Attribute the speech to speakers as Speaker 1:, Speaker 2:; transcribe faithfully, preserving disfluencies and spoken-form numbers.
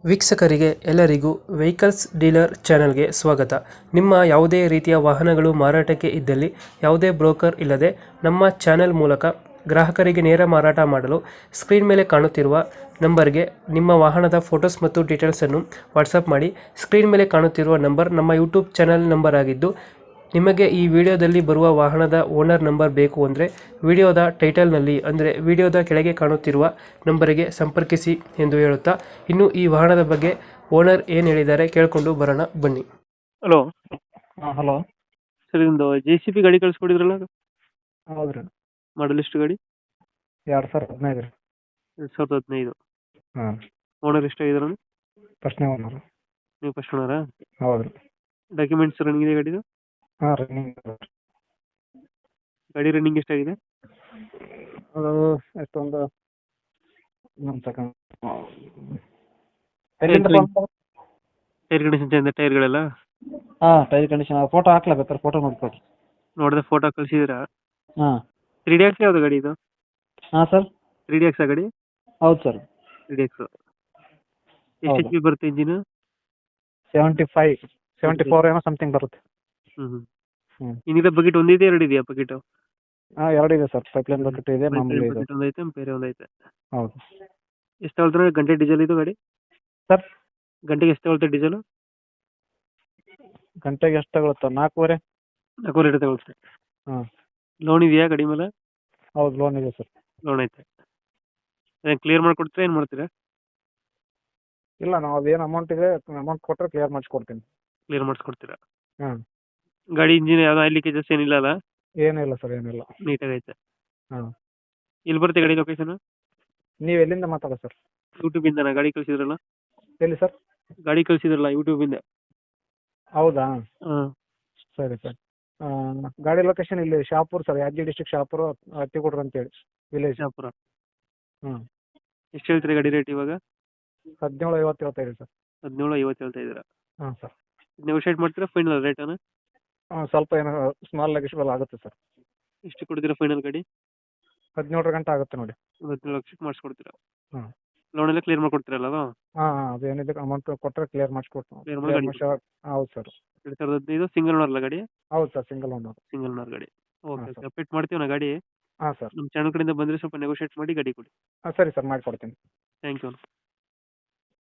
Speaker 1: ವೀಕ್ಷಕರಿಗೆ ಎಲ್ಲರಿಗೂ vehicles dealer ಚಾನೆಲ್ಗೆ ಸ್ವಾಗತ. ನಿಮ್ಮ ಯಾವುದೇ ರೀತಿಯ ವಾಹನಗಳು ಮಾರಾಟಕ್ಕೆ ಇದ್ದಲ್ಲಿ ಯಾವುದೇ ಬ್ರೋಕರ್ ಇಲ್ಲದೆ ನಮ್ಮ ಚಾನೆಲ್ ಮೂಲಕ ಗ್ರಾಹಕರಿಗೆ ನೇರ ಮಾರಾಟ ಮಾಡಲು ಸ್ಕ್ರೀನ್ ಮೇಲೆ ಕಾಣುತ್ತಿರುವ ನಂಬರ್ಗೆ ನಿಮ್ಮ ವಾಹನದ ಫೋಟೋಸ್ ಮತ್ತು ಡೀಟೇಲ್ಸನ್ನು ವಾಟ್ಸಪ್ ಮಾಡಿ. ಸ್ಕ್ರೀನ್ ಮೇಲೆ ಕಾಣುತ್ತಿರುವ ನಂಬರ್ ನಮ್ಮ ಯೂಟ್ಯೂಬ್ ಚಾನೆಲ್ ನಂಬರ್ ಆಗಿದ್ದು, ನಿಮಗೆ ಈ ವಿಡಿಯೋದಲ್ಲಿ ಬರುವ ವಾಹನದ ಓನರ್ ನಂಬರ್ ಬೇಕು ಅಂದರೆ ವಿಡಿಯೋದ ಟೈಟಲ್ನಲ್ಲಿ ಅಂದರೆ ವಿಡಿಯೋದ ಕೆಳಗೆ ಕಾಣುತ್ತಿರುವ ನಂಬರಿಗೆ ಸಂಪರ್ಕಿಸಿ ಎಂದು ಹೇಳುತ್ತಾ, ಇನ್ನು ಈ ವಾಹನದ ಬಗ್ಗೆ ಓನರ್ ಏನು ಹೇಳಿದ್ದಾರೆ ಕೇಳಿಕೊಂಡು ಬರೋಣ ಬನ್ನಿ. ಹಲೋ
Speaker 2: ಹಾಂ ಹಲೋ.
Speaker 1: ಸರ್, ಒಂದು ಜೆ ಸಿ ಬಿ ಗಾಡಿ ಕಳಿಸ್ಕೊಡಿದ್ರಲ್ಲ,
Speaker 2: ಹೌದ್ರಿ.
Speaker 1: ಮಾಡಲ್ ಎಷ್ಟು ಗಾಡಿ?
Speaker 2: ಎರಡು ಸಾವಿರದ ಹದಿನೈದು ರೀ.
Speaker 1: ಎರಡು ಸಾವಿರದ ಹದಿನೈದು.
Speaker 2: ಹಾಂ.
Speaker 1: ಓನರ್ ಎಷ್ಟಾಗಿದ್ರು?
Speaker 2: ಫಸ್ಟ್ನೇ ಓನರು.
Speaker 1: ನೀವು ಫಸ್ಟ್ ಓನರಾ?
Speaker 2: ಹೌದ್ರಿ.
Speaker 1: ಡಾಕ್ಯುಮೆಂಟ್ಸ್ ರನ್ನಿಂಗ್ ಇದೆ ಗಾಡಿದು?
Speaker 2: ಹಾಂ ರನ್ನಿಂಗ್.
Speaker 1: ಗಾಡಿ ರನ್ನಿಂಗ್ ಎಷ್ಟಾಗಿದೆ?
Speaker 2: ಅದು ಎಷ್ಟೊಂದು ಒಂದು ಸೆಕೆಂಡ್.
Speaker 1: ಟೈರ್ ಕಂಡೀಷನ್ ಚೇಂಜ್, ಟೈರ್ಗಳೆಲ್ಲ?
Speaker 2: ಹಾಂ ಟೈರ್ ಕಂಡೀಷನ್. ಫೋಟೋ ಹಾಕ್ಲೇಬೇಕಾರೆ ಫೋಟೋ ನೋಡ್ಕೊಡಿ.
Speaker 1: ನೋಡಿದೆ, ಫೋಟೋ ಕಳಿಸಿದ್ದೀರಾ?
Speaker 2: ಹಾಂ.
Speaker 1: ತ್ರೀ ಡಿ ಎಕ್ಸ್ ಯಾವುದು ಗಾಡಿ ಇದು?
Speaker 2: ಹಾಂ ಸರ್.
Speaker 1: ತ್ರೀ ಡಿ ಎಕ್ಸ್ ಗಾಡಿ?
Speaker 2: ಹೌದು ಸರ್.
Speaker 1: Three D X. ಎಷ್ಟು ಎಚ್ ಪಿ ಬರುತ್ತೆ engine?
Speaker 2: Seventy five seventy four ಏನೋ ಸಮಥಿಂಗ್ ಬರುತ್ತೆ.
Speaker 1: ಹ್ಞೂ ಹ್ಞೂ
Speaker 2: ಹ್ಞೂ.
Speaker 1: ಇನ್ನಿದೆ ಬಕೆಟ್ ಒಂದಿದೆ, ಎರಡು ಇದೆಯಾ ಬಕೆಟು?
Speaker 2: ಹಾಂ ಎರಡು ಇದೆ ಸರ್. ಪೈಪ್ಲೈನ್ ಬಕೆಟ್ ಇದೆ, ಮಾಮೂಲಿ ಇದೆ.
Speaker 1: ಬಕೆಟ್ ಒಂದೈತೆ, ಬೇರೆ ಒಂದೈತೆ.
Speaker 2: ಹೌದು.
Speaker 1: ಎಷ್ಟು ತಗೊಳ್ತಾರೆ ಗಂಟೆ ಡೀಸೆಲ್ ಇದು ಗಾಡಿ?
Speaker 2: ಸರ್
Speaker 1: ಗಂಟೆಗೆ ಎಷ್ಟು ತಗೊಳ್ತಾರೆ ಡೀಸೆಲು?
Speaker 2: ಗಂಟೆಗೆ ಎಷ್ಟು ತಗೊಳುತ್ತೆ? ನಾಲ್ಕೂವರೆ.
Speaker 1: ನಾಲ್ಕೂವರೆ ಲೀಟರ್ ತಗೊಳ್ತಾರೆ.
Speaker 2: ಹಾಂ.
Speaker 1: ಲೋನ್ ಇದೆಯಾ ಗಾಡಿ ಮೇಲೆ?
Speaker 2: ಹೌದು ಲೋನ್ ಇದೆ ಸರ್.
Speaker 1: ಲೋನ್ ಐತೆ. ಅದೇನು ಕ್ಲಿಯರ್ ಮಾಡಿಕೊಡ್ತೀರಾ, ಏನು ಮಾಡ್ತೀರಾ?
Speaker 2: ಇಲ್ಲ, ನಾವು ಅದೇನು ಅಮೌಂಟ್ ಇದೆ ಅಮೌಂಟ್ ಕೊಟ್ಟರೆ ಕ್ಲಿಯರ್ ಮಾಡಿಸ್ಕೊಡ್ತೀನಿ.
Speaker 1: ಕ್ಲಿಯರ್ ಮಾಡಿಸ್ಕೊಡ್ತೀರಾ?
Speaker 2: ಹಾಂ.
Speaker 1: ಗಾಡಿ ಇಂಜಿನ್ ಯಾವ್ದು ಆಯಿಲ್ ಲೀಕೇಜಸ್ ಏನಿಲ್ಲ ಅಲ್ಲ?
Speaker 2: ಏನಿಲ್ಲ ಸರ್, ಏನಿಲ್ಲ.
Speaker 1: ನೀಟಾಗೈತೆ.
Speaker 2: ಹಾಂ.
Speaker 1: ಎಲ್ಲಿ ಬರುತ್ತೆ ಗಾಡಿ ಲೊಕೇಶನ್?
Speaker 2: ನೀವು ಎಲ್ಲಿಂದ ಮಾತಾಡೋದು ಸರ್?
Speaker 1: ಯೂಟ್ಯೂಬಿಂದನಾ ಗಾಡಿ ಕಳಿಸಿದ್ರಲ್ಲ?
Speaker 2: ಎಲ್ಲಿ ಸರ್?
Speaker 1: ಗಾಡಿ ಕಳಿಸಿದ್ರಲ್ಲ ಯೂಟ್ಯೂಬಿಂದ.
Speaker 2: ಹೌದಾ?
Speaker 1: ಹಾಂ.
Speaker 2: ಸರಿ ಸರ್. ಗಾಡಿ ಲೊಕೇಶನ್ ಇಲ್ಲಿ ಶಾಪುರ್ ಸರ್, ಯಾದಗಿರಿ ಡಿಸ್ಟ್ರಿಕ್ಟ್ ಶಾಪುರ, ಹತ್ತಿಗುಡ್ರ ಅಂತೇಳಿ ವಿಲೇಜ್.
Speaker 1: ಶಾಪುರ.
Speaker 2: ಹ್ಞೂ.
Speaker 1: ಎಷ್ಟು ಹೇಳ್ತೀರಿ ಗಾಡಿ ರೇಟ್ ಇವಾಗ?
Speaker 2: ಹದಿನೇಳು ಐವತ್ತು ಹೇಳ್ತಾಯಿದೆ ಸರ್.
Speaker 1: ಹದಿನೇಳು ಐವತ್ತು ಹೇಳ್ತಾ ಇದ್ದೀರಾ?
Speaker 2: ಹಾಂ ಸರ್.
Speaker 1: ನೆಗೋಷಿಯೇಟ್ ಮಾಡ್ತೀರಾ ಫೈನಲ್ ರೇಟನ್ನು?
Speaker 2: ಹಾಂ, ಸ್ವಲ್ಪ ಏನೋ ಸ್ಮಾಲ್ ನೆಗೋಷಿಯಬಲ್ ಆಗುತ್ತೆ ಸರ್.
Speaker 1: ಎಷ್ಟು ಕೊಡ್ತೀರಾ ಫೈನಲ್ ಗಾಡಿ?
Speaker 2: ಹದಿನೇಳರ ಗಂಟೆ ಆಗುತ್ತೆ ನೋಡಿ.
Speaker 1: ಹದಿನೇಳು ಲಕ್ಷಕ್ಕೆ ಮಾಡಿಸ್ಕೊಡ್ತೀರಾ?
Speaker 2: ಹಾಂ.
Speaker 1: ಲೋನ್ ಎಲ್ಲ ಕ್ಲಿಯರ್ ಮಾಡಿಕೊಡ್ತೀರಲ್ಲ ಅದು?
Speaker 2: ಹಾಂ ಹಾಂ, ಅದೇನಿದೆ ಅಮೌಂಟ್ ಕೊಟ್ಟರೆ ಕ್ಲಿಯರ್ ಮಾಡಿಸ್ಕೊಡ್ತೀವಿ.
Speaker 1: ಕ್ಲಿಯರ್ ಮಾಡಿ ಗಾಡಿ?
Speaker 2: ಹೌದು ಸರ್.
Speaker 1: ಎರಡು ಸಾವಿರದ ಹದಿನೈದು ಸಿಂಗಲ್ ಓನರ್ ಅಲ್ಲ ಗಾಡಿ?
Speaker 2: ಹೌದು sir, single owner.
Speaker 1: Single owner ಗಾಡಿ. ಓಕೆ
Speaker 2: ಹಾಂ
Speaker 1: ಓಕೆ,
Speaker 2: ಸರ್.
Speaker 1: ಅಪ್ಡೇಟ್ ಮಾಡ್ತೀವಿ ನಾ ಗಾಡಿ.
Speaker 2: ಹಾಂ ಸರ್.
Speaker 1: ನಮ್ಮ ಚಾನಲ್ ಕಡೆಯಿಂದ ಬಂದರೆ ಸ್ವಲ್ಪ ನೆಗೋಷಿಯೇಟ್ ಮಾಡಿ ಗಾಡಿ ಕೊಡಿ.
Speaker 2: ಹಾಂ ಸರಿ ಸರ್, ಮಾಡಿಕೊಡ್ತೀನಿ.
Speaker 1: Thank you.